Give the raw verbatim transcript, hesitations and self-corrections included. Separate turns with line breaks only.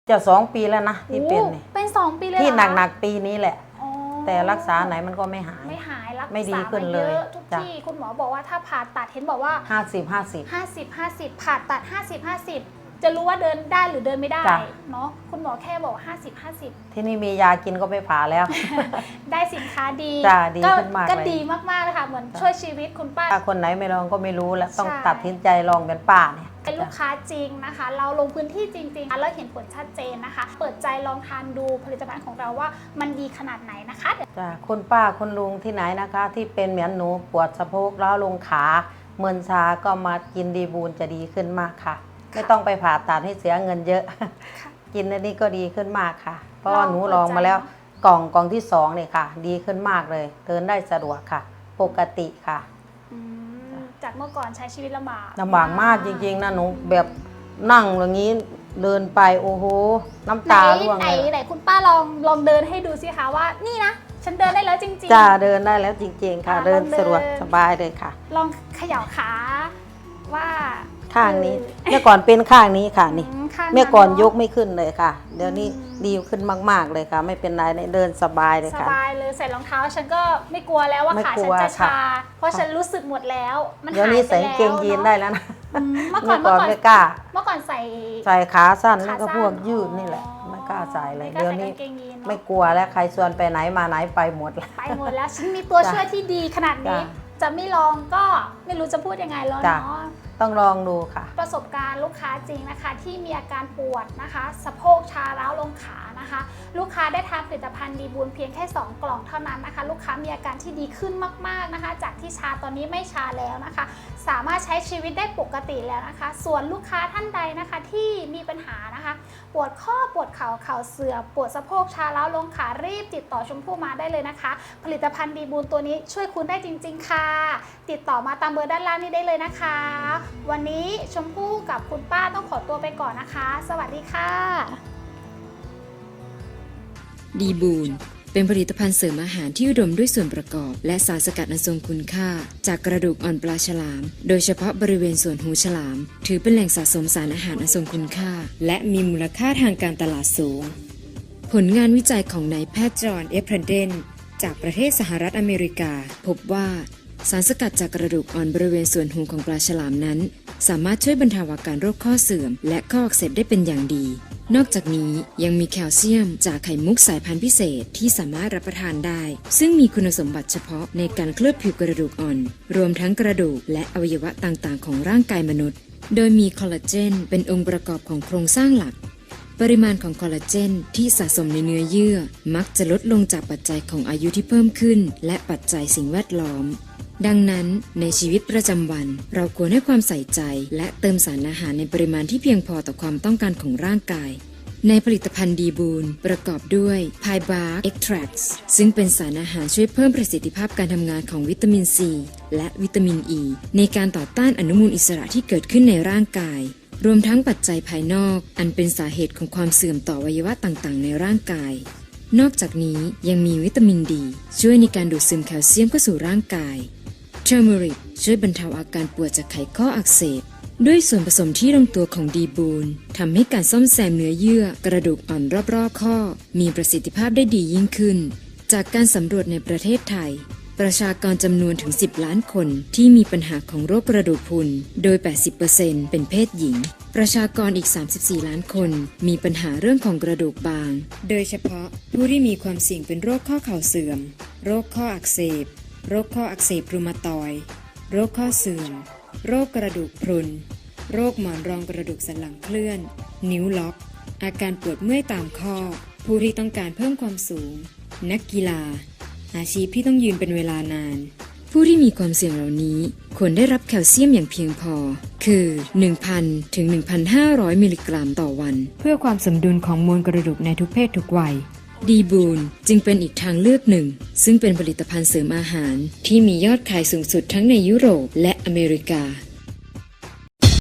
จะสองปีแล้วนะที่เป็นนี่
เป็นสองปีเลย
ที่หนักๆปีนี้แหละแต่รักษาไหนมันก็ไม่หาย
ไม่หายรักษา
ไม่ดีขึ้นเลย
ทุกที่คุณหมอบอกว่าถ้าผ่าตัดเห็นบอกว่า
ห้าสิบห้าสิบ
ห้าสิบห้าสิบผ่าตัดห้าสิบห้าสิบจะรู้ว่าเดินได้หรือเดินไม่ได้เนาะคุณหมอแค่บอกห้าสิบห้าสิบ
ที่นี่มียากินก็ไปผ่าแล้ว
ได้สินค้าดี
ดีขึ้นมาก
ก็ดีมากๆเลยค่ะเหมือนช่วยชีวิตคุณป้า
ถ้าคนไหนไม่ลองก็ไม่รู้แล้วต้องตัดสินใจลองเป็นป้าเนี่ย
เป็นลูกค้าจริงนะคะเราลงพื้นที่จริงๆแล้วเห็นผลชัดเจนนะคะเปิดใจลองทานดูผลิตภัณฑ์ของเราว่ามันดีขนาดไหนนะคะ
จ้ะคุณป้าคุณลุงที่ไหนนะคะที่เป็นเหมือนหนูปวดสะโพกแล้วลงขาเมินชาก็มากินดีบูนจะดีขึ้นมากค่ะไม่ต้องไปผ่าตัดให้เสียเงินเยอะกินอันนี้ก็ดีขึ้นมากค่ะเพราะหนูลองมาแล้วกล่องกล่องที่สองเนี่ยค่ะดีขึ้นมากเลยเดินได้สะดวกค่ะปกติค่ะ
จากเมื่อก่อนใช้ชีวิตลำบาก
ลำบากมากจริงๆนะหนูแบบนั่งอย่างนี้เดินไปโอ้โหน้ำตาร่วง
เลยไหนไหนคุณป้าลองลองเดินให้ดูสิคะว่านี่นะฉันเดินได้แล้วจริง
ๆจ้าเดินได้แล้วจริงๆค่ะเดินสะดวกสบายเลยค่ะ
ลองเขย่าขาว่า
ข้างนี้เมื่อก่อนเป็นข้างนี้ค่ะนี่เมื่อก่อนยกไม่ขึ้นเลยค่ะเดี๋ยวนี้ดีขึ้นมากๆเลยค่ะไม่เป็นไรเดินสบายเลยค่ะ
สบายเลยใส่รองเท้าฉันก็ไม่กลัวแล้วว่าขาฉันจะชาเพราะฉันรู้สึกหมดแล้ว
มันหายไปแล้วเดี๋ยวนี้ใส่เกงยีนได้แล้วนะ
เมื่อก่อน
เมื่อก่อนไม่กล้า
เมื่อก่อนใส่
ใส่ขาสั้นแล้วก็พวกยืดนี่แหละไม่กล้าใส่เลยเดี๋ยวนี้ไม่กลัวแล้วใครชวนไปไหนมาไหนไปหมด
ไปหมดแล้วฉันมีตัวช่วยที่ดีขนาดนี้จะไม่ลองก็ไม่รู้จะพูดยังไงแล้วเนาะ
ต้องลองดูค่ะ
ประสบการณ์ลูกค้าจริงนะคะที่มีอาการปวดนะคะสะโพกชาร้าวลงขานะคะลูกค้าได้ทานผลิตภัณฑ์ดีบูนเพียงแค่สองกล่องเท่านั้นนะคะลูกค้ามีอาการที่ดีขึ้นมากๆนะคะจากที่ชาตอนนี้ไม่ชาแล้วนะคะสามารถใช้ชีวิตได้ปกติแล้วนะคะส่วนลูกค้าท่านใดนะคะที่มีปัญหานะคะปวดข้อปวดเข่าเข่าเสื่อมปวดสะโพกชาร้าวลงขารีบติดต่อชมพู่มาได้เลยนะคะผลิตภัณฑ์ดีบูนตัวนี้ช่วยคุณได้จริงๆค่ะติดต่อมาตามเบอร์ด้านล่างนี้ได้เลยนะคะวันนี้ชมพู่กับคุณป้าต้องขอตัวไปก่อนนะคะสวัสดีค่ะ
ดีบูนเป็นผลิตภัณฑ์เสริมอาหารที่อุดมด้วยส่วนประกอบและสารสกัดอันทรงคุณค่าจากกระดูกอ่อนปลาฉลามโดยเฉพาะบริเวณส่วนหูฉลามถือเป็นแหล่งสะสมสารอาหารอันทรงคุณค่าและมีมูลค่าทางการตลาดสูงผลงานวิจัยของนายแพทย์จอห์น เอฟ เพรเดนจากประเทศสหรัฐอเมริกาพบว่าสารสกัดจากกระดูกอ่อนบริเวณส่วนหูของปลาฉลามนั้นสามารถช่วยบรรเทาอาการโรคข้อเสื่อมและข้ออักเสบได้เป็นอย่างดีนอกจากนี้ยังมีแคลเซียมจากไข่มุกสายพันธุ์พิเศษที่สามารถรับประทานได้ซึ่งมีคุณสมบัติเฉพาะในการเคลือบผิวกระดูกอ่อนรวมทั้งกระดูกและอวัยวะต่างๆของร่างกายมนุษย์โดยมีคอลลาเจนเป็นองค์ประกอบของโครงสร้างหลักปริมาณของคอลลาเจนที่สะสมในเนื้อเยื่อมักจะลดลงจากปัจจัยของอายุที่เพิ่มขึ้นและปัจจัยสิ่งแวดล้อมดังนั้นในชีวิตประจำวันเราควรให้ความใส่ใจและเติมสารอาหารในปริมาณที่เพียงพอต่อความต้องการของร่างกายในผลิตภัณฑ์ดีบูนประกอบด้วย Pie Bark Extracts ซึ่งเป็นสารอาหารช่วยเพิ่มประสิทธิภาพการทำงานของวิตามินซีและวิตามินอ e ีในการต่อต้านอนุมูลอิสระที่เกิดขึ้นในร่างกายรวมทั้งปัจจัยภายนอกอันเป็นสาเหตุของความเสื่อมต่ออวัยวะต่างๆในร่างกายนอกจากนี้ยังมีวิตามินดีช่วยในการดูดซึมแคลเซียมเข้าสู่ร่างกายเทอร์เมริกช่วยบรรเทาอาการปวดจากไขข้ออักเสบด้วยส่วนผสมที่ลงตัวของดีบูนทำให้การซ่อมแซมเนื้อเยื่อกระดูกอ่อนรอบๆข้อมีประสิทธิภาพได้ดียิ่งขึ้นจากการสำรวจในประเทศไทยประชากรจำนวนถึงสิบล้านคนที่มีปัญหาของโรคกระดูกพรุนโดย แปดสิบเปอร์เซ็นต์ เป็นเพศหญิงประชากรอีกสามสิบสี่ล้านคนมีปัญหาเรื่องของกระดูกบางโดยเฉพาะผู้ที่มีความเสี่ยงเป็นโรคข้อเข่าเสื่อมโรคข้ออักเสบโรคข้ออักเสบรูมาตอยด์โรคข้อเสื่อมโรคกระดูกพรุนโรคหมอนรองกระดูกสันหลังเคลื่อนนิ้วล็อกอาการปวดเมื่อยตามข้อผู้ที่ต้องการเพิ่มความสูงนักกีฬาอาชีพที่ต้องยืนเป็นเวลานานผู้ที่มีความเสี่ยงเหล่านี้ควรได้รับแคลเซียมอย่างเพียงพอคือ หนึ่งพัน ถึง หนึ่งพันห้าร้อย มิลลิกรัมต่อวันเพื่อความสมดุลของมวลกระดูกในทุกเพศทุกวัยดีบูนจึงเป็นอีกทางเลือกหนึ่งซึ่งเป็นผลิตภัณฑ์เสริมอาหารที่มียอดขายสูงสุดทั้งในยุโรปและอเมริกา